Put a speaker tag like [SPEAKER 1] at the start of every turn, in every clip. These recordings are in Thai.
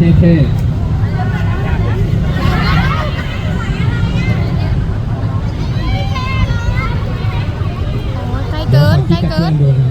[SPEAKER 1] เท่
[SPEAKER 2] ใกล้เกิน
[SPEAKER 1] ๆขอคิดกับเพื่อนดูนะ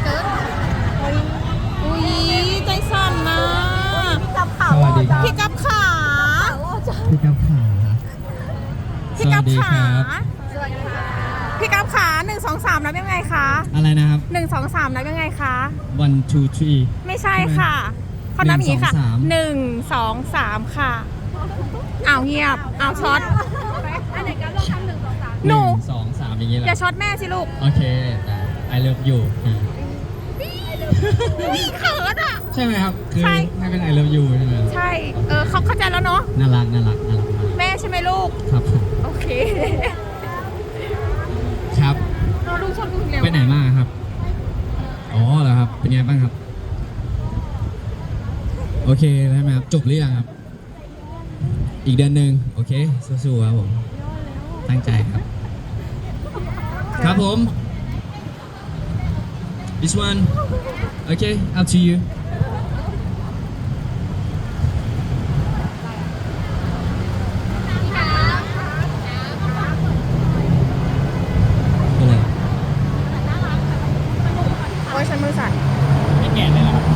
[SPEAKER 2] อุ้ยใจสั่นนะ
[SPEAKER 1] สวัสดีครับ
[SPEAKER 2] พี่กับขา
[SPEAKER 1] พี่กับขา
[SPEAKER 2] พี่กับ
[SPEAKER 1] สวัสดี
[SPEAKER 2] ขา
[SPEAKER 1] ครับ
[SPEAKER 2] พี่กับขา1 2 3นับยังไงคะ
[SPEAKER 1] อะไรนะครับ
[SPEAKER 2] 1 2 3นับยังไงคะ
[SPEAKER 1] one two three
[SPEAKER 2] ไม่ใช่ค่ะเขานับอย่างนี้ค่ะ
[SPEAKER 1] 1
[SPEAKER 2] 1 2 3 ค่ะเอาเงียบเอาช็อตหนู
[SPEAKER 1] 1 2 3อย่างนี้แห
[SPEAKER 2] อย่า
[SPEAKER 1] ละ
[SPEAKER 2] ช็อตแม่สิลูก
[SPEAKER 1] โอเคแต่ I love you
[SPEAKER 2] เขินอ่ะ
[SPEAKER 1] ใช่ไหมครับ คือ
[SPEAKER 2] ใช่
[SPEAKER 1] ให้เป็น I love you ใช่ไหม
[SPEAKER 2] ใช่เขาเข้าใจแล้วเนาะ
[SPEAKER 1] น่ารักมาก
[SPEAKER 2] แม่ใช่ไหมลูก
[SPEAKER 1] ครับผม
[SPEAKER 2] โอเค
[SPEAKER 1] ครับ
[SPEAKER 2] เราลูกชอบลูกเร็ว
[SPEAKER 1] ไปไหนมาครับ อ๋อเหรอครับ เป็นไงบ้างครับ โอเคใช่ไหมครับ จบหรือยังครับ อีกเดือนหนึ่งโอเค สู้ๆครับผม ตั้งใจครับ ครับผม this one okay up to you อะไร
[SPEAKER 2] โอ้ยฉันมือสั่น
[SPEAKER 1] ไม่แก่เลยเหรอครับ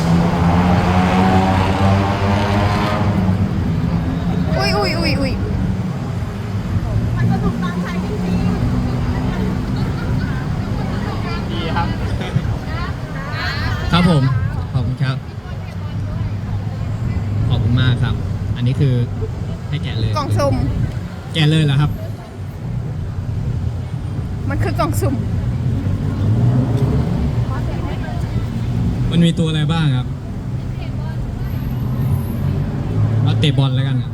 [SPEAKER 2] อุ้ยมันสนุกตามใจจริง
[SPEAKER 1] ดีครับ ครับผม ขอบคุณครับ ขอบคุณมากครับ อันนี้คือให้แกะเลย
[SPEAKER 2] ๆกล่องสุ่ม
[SPEAKER 1] แกะเลยเหรอครับ
[SPEAKER 2] มันคือกล่องสุ่ม
[SPEAKER 1] มันมีตัวอะไรบ้างครับ เอาเตะบอลแล้วกันอะ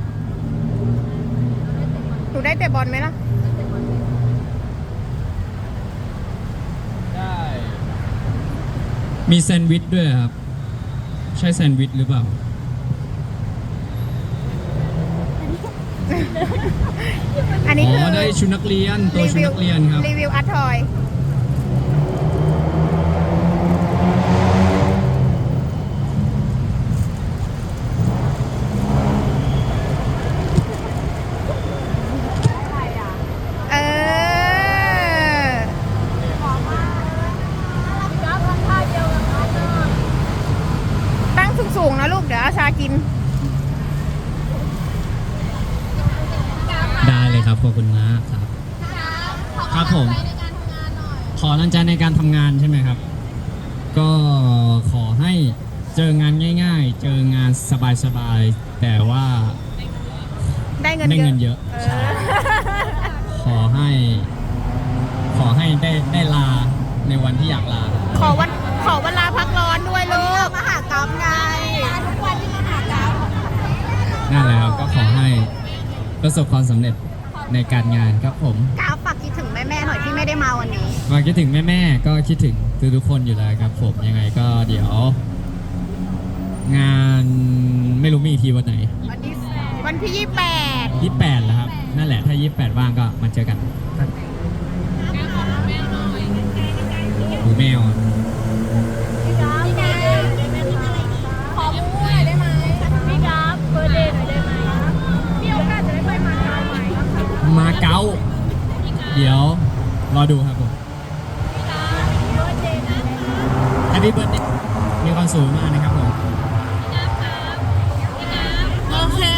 [SPEAKER 2] หนูได้เตะบอลไหมล่ะ
[SPEAKER 1] ได้ มีแซนด์วิชด้วยครับ ใช่แซนด์วิชหรือเปล่า
[SPEAKER 2] อันนี้
[SPEAKER 1] อ๋
[SPEAKER 2] คือ
[SPEAKER 1] อ ได้ชุดนักเรียน ตัวชุดนักเรียนครับ
[SPEAKER 2] รีวิวอาร์ตทอย เออ ตั้งสูงๆนะลูก เดี๋ยวอาชากิน
[SPEAKER 1] ได้เลยครับ ขอบคุณมากครับ ครับผม ขอกำลังใจในการทำงานใช่ไหมครับ ก็ขอให้เจองานง่าย ๆ เจองานสบายๆ แต่ว่า
[SPEAKER 2] ได้เงิน
[SPEAKER 1] ได้เงินเยอะ
[SPEAKER 2] เอ
[SPEAKER 1] ใช่
[SPEAKER 2] อ
[SPEAKER 1] ขอให้ได้ลาในวันที่อยากลา
[SPEAKER 2] ขอวันลาพักร้อนด้วยลูกมหากรรมไงทุกวันที่มหากรรม
[SPEAKER 1] นั่นแหละครับ ก็ขอให้ประสบความสำเร็จในการงานครับผม
[SPEAKER 2] กราฟฝากคิดถึงแม่ๆหน่อยที่ไม่ได้มาวันนี้
[SPEAKER 1] มาคิดถึงแม่ๆ ก็คิดถึงทุกๆคนอยู่แล้วครับผมยังไงก็เดี๋ยว งานไม่รู้มีอีกทีวันไหน
[SPEAKER 2] วันที่ 28
[SPEAKER 1] 28แล้วครับ นั่นแหละถ้า 28 ว่างก็มาเจอกันดูแมวอะ
[SPEAKER 2] ขอมูหน่อยได้ไหมพี่กราฟเบอร์เดย์หน่อยได้ไหมมีโอกาสจะได้ไปมาเก๊าไหม
[SPEAKER 1] มาเก๊าเดี๋ยวรอดูครับผมแฮปปี้เบิร์ดเดย์มีความสุขมากนะครับผม
[SPEAKER 2] โอเค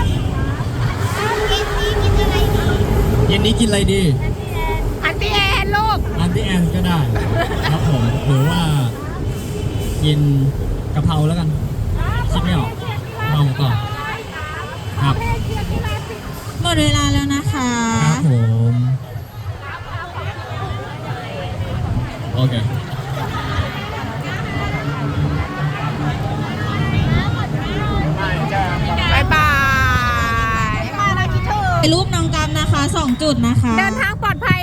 [SPEAKER 1] เย็นนี้กินอะไรดี
[SPEAKER 2] อันตี้แอนลูก
[SPEAKER 1] อันตี้แอนก็ได้ครับผมหรือว่ากินกะเพราแล้วกันคิดไม่ออกลองก่อนครับ
[SPEAKER 3] หมดเวลาแล้วนะคะ
[SPEAKER 1] ครับผมโอเค
[SPEAKER 2] บายบาย
[SPEAKER 3] รูปน้องกัมนะคะ 2 จุดนะคะ
[SPEAKER 2] เดินทางปลอดภัย